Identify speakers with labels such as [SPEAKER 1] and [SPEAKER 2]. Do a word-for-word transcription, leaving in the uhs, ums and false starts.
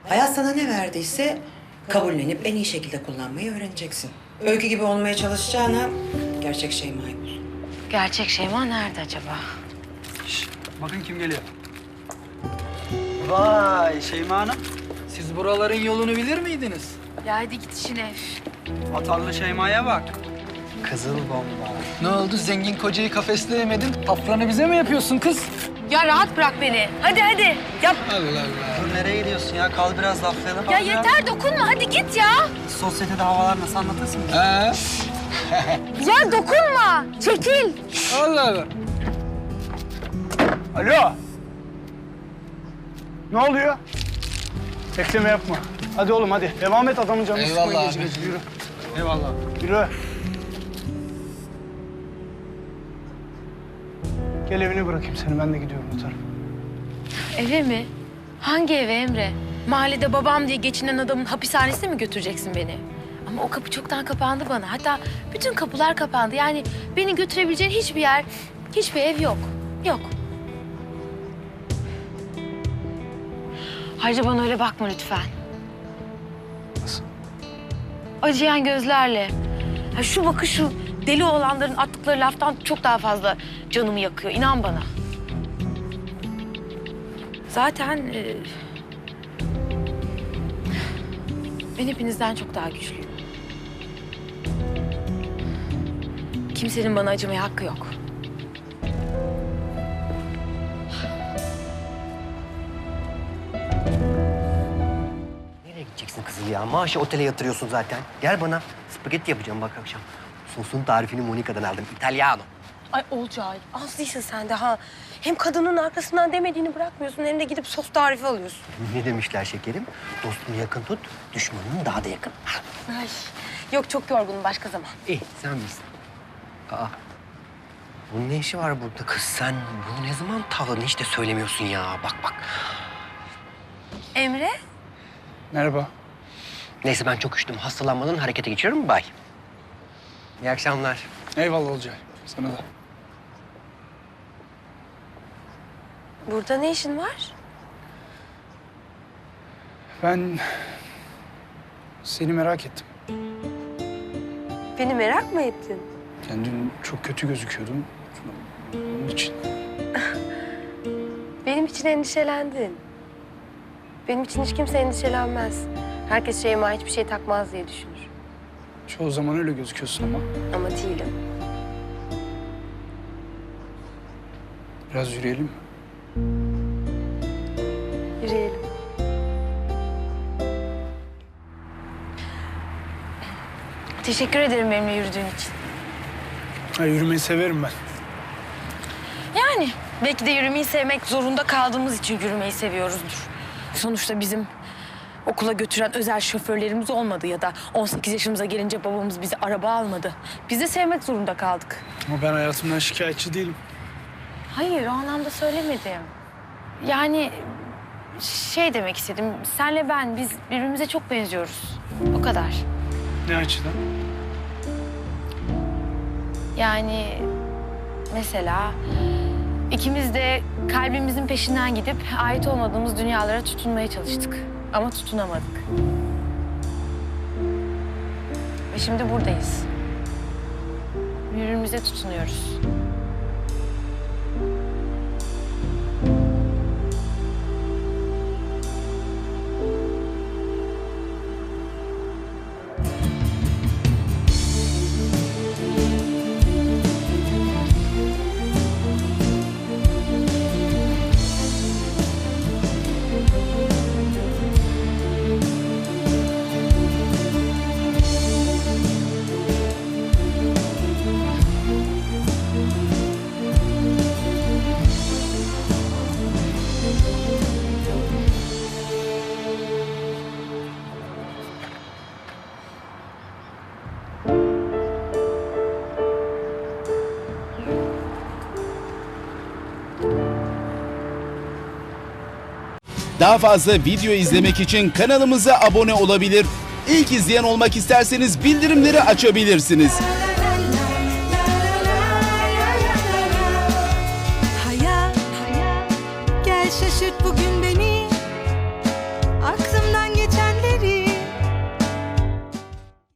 [SPEAKER 1] Hayat sana ne verdiyse kabullenip en iyi şekilde kullanmayı öğreneceksin. Öykü gibi olmaya çalışacağına gerçek Şeyma'yı bul.
[SPEAKER 2] Gerçek Şeyma nerede acaba?
[SPEAKER 3] Şişt, bakın kim geliyor. Vay Şeyma Hanım. Siz buraların yolunu bilir miydiniz?
[SPEAKER 2] Ya hadi git işine.
[SPEAKER 3] Atarlı Şeyma'ya bak. Kızıl bomba. Ne oldu? Zengin kocayı kafesleyemedin. Afranı bize mi yapıyorsun kız?
[SPEAKER 2] Ya rahat bırak beni. Hadi hadi. Yap.
[SPEAKER 3] Allah Allah. Dur nereye gidiyorsun ya? Kal biraz laflayalım.
[SPEAKER 2] Ya yeter dokunma hadi git ya.
[SPEAKER 3] Sosyetede havalar nasıl anlatırsın ki?
[SPEAKER 4] He?
[SPEAKER 2] Ya dokunma. Çekil.
[SPEAKER 4] Allah Allah.
[SPEAKER 5] Alo. Ne oluyor? Bekleme yapma. Hadi oğlum hadi. Devam et adamın canını sıkma
[SPEAKER 4] Eyvallah
[SPEAKER 5] gece
[SPEAKER 4] abi.
[SPEAKER 5] gece. Yürü.
[SPEAKER 4] Eyvallah.
[SPEAKER 5] Yürü. Gel evine bırakayım seni. Ben de gidiyorum o tarafa.
[SPEAKER 2] Eve mi? Hangi eve Emre? Mahallede babam diye geçinen adamın hapishanesine mi götüreceksin beni? Ama o kapı çoktan kapandı bana. Hatta bütün kapılar kapandı. Yani beni götürebileceğin hiçbir yer, hiçbir ev yok. Yok. Ayrıca bana öyle bakma lütfen.
[SPEAKER 5] Nasıl?
[SPEAKER 2] Acıyan gözlerle. Ya şu bakış şu deli olanların attıkları laftan çok daha fazla canımı yakıyor. İnan bana. Zaten e, ben hepinizden çok daha güçlüyüm. Kimsenin bana acımaya hakkı yok.
[SPEAKER 6] Nereye gideceksin kızım ya? Maaşı otele yatırıyorsun zaten. Gel bana. Spagetti yapacağım bak akşam. Sosun tarifini Monica'dan aldım. İtalyano.
[SPEAKER 7] Ay Olcay, az değilsin sen de ha. Hem kadının arkasından demediğini bırakmıyorsun hem de gidip sos tarifi alıyorsun.
[SPEAKER 6] Ne demişler şekerim? Dostunu yakın tut, düşmanını daha da yakın.
[SPEAKER 7] Ay, yok çok yorgunum başka zaman.
[SPEAKER 6] İyi, sen bilirsin. Aa, bunun ne işi var burada kız? Sen bunu ne zaman tavladın hiç de söylemiyorsun ya. Bak bak.
[SPEAKER 7] Emre?
[SPEAKER 5] Merhaba.
[SPEAKER 6] Neyse ben çok üşüdüm. Hastalanmadan harekete geçiyorum. Bay. İyi akşamlar.
[SPEAKER 5] Eyvallah Olcay. Sana da.
[SPEAKER 7] Burada ne işin var?
[SPEAKER 5] Ben seni merak ettim.
[SPEAKER 7] Beni merak mı ettin?
[SPEAKER 5] Yani dün çok kötü gözüküyordun. Onun için.
[SPEAKER 7] Benim için endişelendin. Benim için hiç kimse endişelenmez. Herkes Şeyma hiçbir şey takmaz diye düşünür.
[SPEAKER 5] Çoğu zaman öyle gözüküyorsun ama.
[SPEAKER 7] Ama değilim.
[SPEAKER 5] Biraz yürüyelim mi?
[SPEAKER 7] Yürüyelim.
[SPEAKER 2] Teşekkür ederim benimle yürüdüğün için.
[SPEAKER 5] Ha, yürümeyi severim ben.
[SPEAKER 2] Yani belki de yürümeyi sevmek zorunda kaldığımız için yürümeyi seviyoruzdur. Sonuçta bizim okula götüren özel şoförlerimiz olmadı ya da on sekiz yaşımıza gelince babamız bize araba almadı. Biz de sevmek zorunda kaldık.
[SPEAKER 5] Ama ben hayatımdan şikayetçi değilim.
[SPEAKER 2] Hayır, o anlamda söylemedim. Yani şey demek istedim, senle ben biz birbirimize çok benziyoruz. O kadar.
[SPEAKER 5] Ne açıdan?
[SPEAKER 2] Yani mesela ikimiz de kalbimizin peşinden gidip ait olmadığımız dünyalara tutunmaya çalıştık. Ama tutunamadık. Ve şimdi buradayız. Birbirimize tutunuyoruz.
[SPEAKER 8] Daha fazla video izlemek için kanalımıza abone olabilir. İlk izleyen olmak isterseniz bildirimleri açabilirsiniz.
[SPEAKER 9] Hayat, gel şaşırt bugün